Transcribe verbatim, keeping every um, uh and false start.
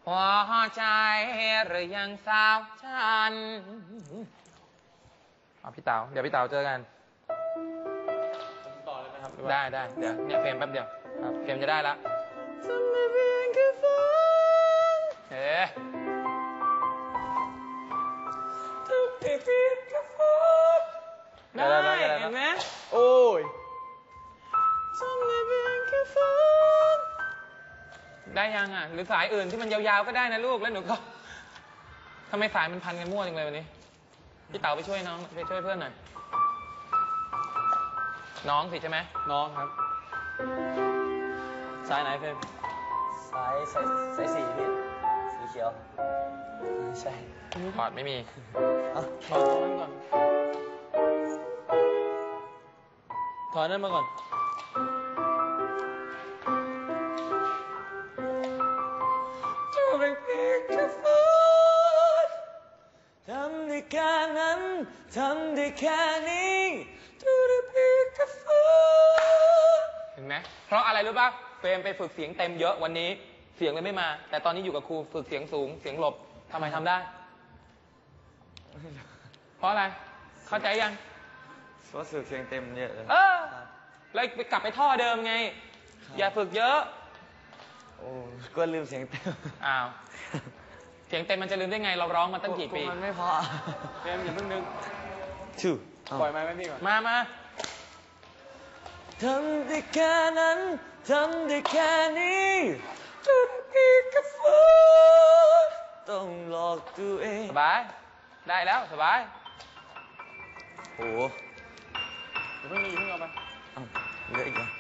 หัวใจหรือยังสาวฉันเอาพี่เต๋าเดี๋ยวพี่เต๋าเจอกันต่อเลยไหมครับได้ได้เดี๋ยวเนี่ยเฟรมแป๊บเดียวครับเฟรมจะได้ละเฮ้ได้ได้ได้เห็นไหมโอ้ยได้ยังอ่ะหรือสายอื่นที่มันยาวๆก็ได้นะลูกแล้วหนูก็ทำไมสายมันพันกันมั่วจังเลยวันนี้พี่เต๋าไปช่วยน้องไปช่วยเพื่อนหน่อยน้องสิใช่ไหมน้องครับสายไหนเฟรมสายสายสายสีพี่สีเขียวใช่พอร์ตไม่มีถอดนั้นก่อนถอดนั้นมาก่อนจะเป็นเพียงแค่ฝันทำได้แค่นั้นทำได้แค่นี้จะได้เพียงแค่ฝันเห็นไหมเพราะอะไรรู้ป่ะเฟรมไปฝึกเสียงเต็มเยอะวันนี้เสียงเลยไม่มาแต่ตอนนี้อยู่กับครูฝึกเสียงสูงเสียงหลบทำไมทำได้เพราะอะไรเข้าใจยังเพราะฝึกเสียงเต็มเยอะเลยเออเลยไปกลับไปท่อเดิมไงอย่าฝึกเยอะโอ้ก็ลืมเสียงเต็มอ้าวเสียงเต็มมันจะลืมได้ไงเราร้องมาตั้งกี่ปีมันไม่พอเฟรมอย่าเพิ่งนึกชื่อปล่อยไม้ไว้พี่ก่อนมามาทำได้แค่นั้นทำได้แค่นี้จะได้แค่ฝันต้องหลอกตัวเองสบายได้แล้วสบายโอ้เดี๋ยวเพิ่งมีเพิ่งเอาไปเอ้าเหลืออีกเหรอ